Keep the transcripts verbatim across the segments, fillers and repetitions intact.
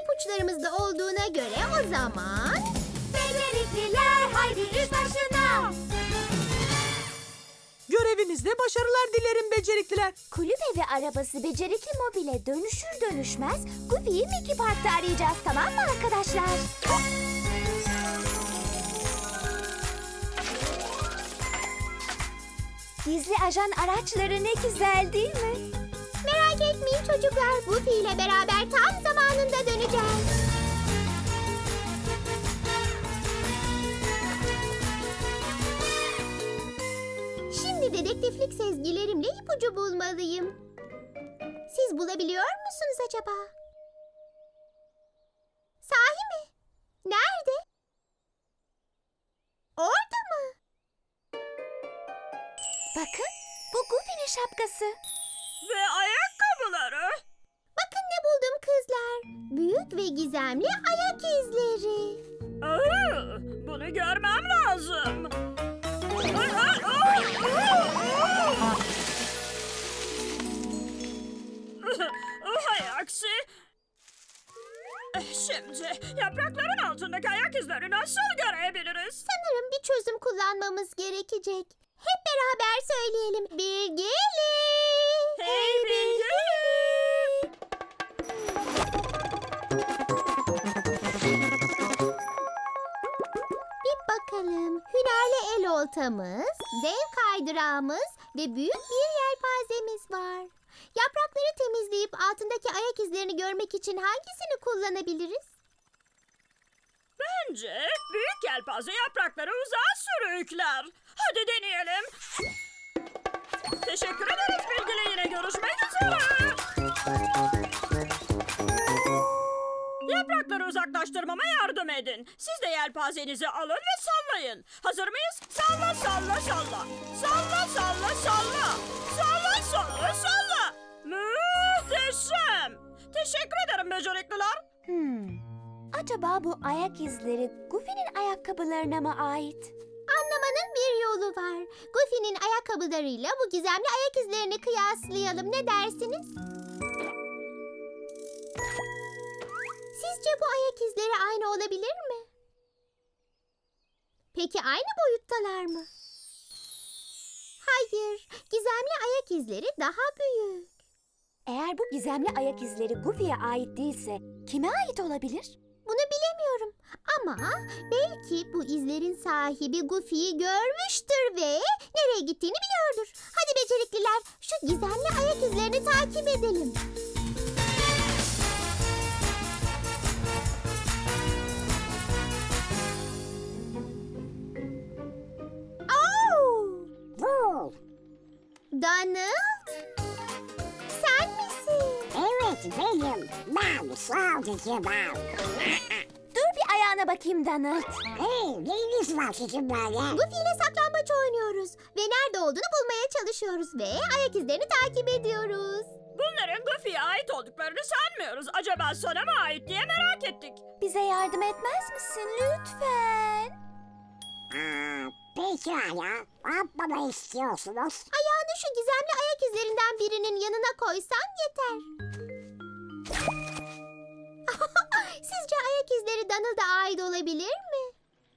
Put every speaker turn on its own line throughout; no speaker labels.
ipuçlarımızda olduğuna göre o zaman...
Becerikliler haydi iş başına.
Görevinizde başarılar dilerim becerikliler.
Kulübe ve arabası becerikli mobile dönüşür dönüşmez Goofy'yi Mickey Park'ta arayacağız, tamam mı arkadaşlar? Gizli ajan araçları ne güzel değil mi?
Merak etmeyin çocuklar, Goofy ile beraber tam zamanında döneceğiz. Şimdi dedektiflik sezgilerimle ipucu bulmalıyım. Siz bulabiliyor musunuz acaba? Sahi mi? Nerede? Orada mı?
Bakın, bu Goofy'nin şapkası.
Ve ayakkabıları.
Bakın ne buldum kızlar. Büyük ve gizemli ayak izleri.
Aa, bunu görmem lazım. Hay aksi. Şimdi yaprakların altındaki ayak izlerini nasıl görebiliriz?
Sanırım bir çözüm kullanmamız gerekecek. Hep beraber söyleyelim. Bilgili.
Hey bilgi.
Bir bakalım. Hünerli el oltamız, dev kaydırağımız ve büyük bir yelpazemiz var. Yaprakları temizleyip altındaki ayak izlerini görmek için hangisini kullanabiliriz?
Bence büyük yelpaze yaprakları uzağa sürükler. Hadi deneyelim. Teşekkür ederiz bilgili, yine görüşmek üzere. Yaprakları uzaklaştırmama yardım edin. Siz de yelpazenizi alın ve sallayın. Hazır mıyız? Salla salla salla. Salla salla salla. Salla salla salla. Muhteşem. Teşekkür ederim becerikliler.
Hmm. Acaba bu ayak izleri Goofy'nin ayakkabılarına mı ait?
Anlamanın bir yolu var. Goofy'nin ayakkabılarıyla bu gizemli ayak izlerini kıyaslayalım. Ne dersiniz? Sizce bu ayak izleri aynı olabilir mi? Peki aynı boyuttalar mı? Hayır, gizemli ayak izleri daha büyük.
Eğer bu gizemli ayak izleri Goofy'ye ait değilse kime ait olabilir?
Bunu bilemiyorum ama belki bu izlerin sahibi Goofy'yi görmüştür ve nereye gittiğini biliyordur. Hadi becerikliler, şu gizemli ayak izlerini takip edelim. Oh!
Bu.
Donald, sen misin?
Evet benim. Ben sadece ben.
Dur bir ayağına bakayım Donald.
Hey, neyiniz var sizin böyle?
Goofy ile saklambaç oynuyoruz ve nerede olduğunu bulmaya çalışıyoruz ve ayak izlerini takip ediyoruz.
Bunların Goofy'ye ait olduklarını sanmıyoruz. Acaba sana mı ait diye merak ettik.
Bize yardım etmez misin lütfen?
Aa, pekala. Ne yapmamı istiyorsunuz?
Ayağını şu gizemli ayak izlerinden birinin yanına koysan yeter. Sizce ayak izleri Donald'a ait olabilir mi?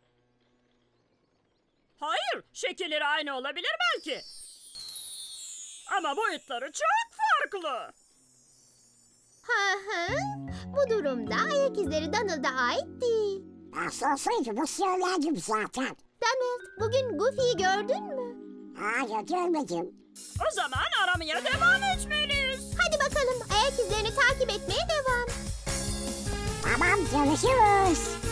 Hayır, şekilleri aynı olabilir belki. Ama boyutları çok farklı.
Hı hı. Bu durumda ayak izleri Donald'a ait değil.
Nasılsıydı söyledim zaten.
Donald, bugün Goofy'yi gördün mü?
Hayır görmedim.
O zaman aramaya devam etmeliyiz.
Hadi bakalım, ayak izlerini takip etmeye devam.
Tamam görüşürüz.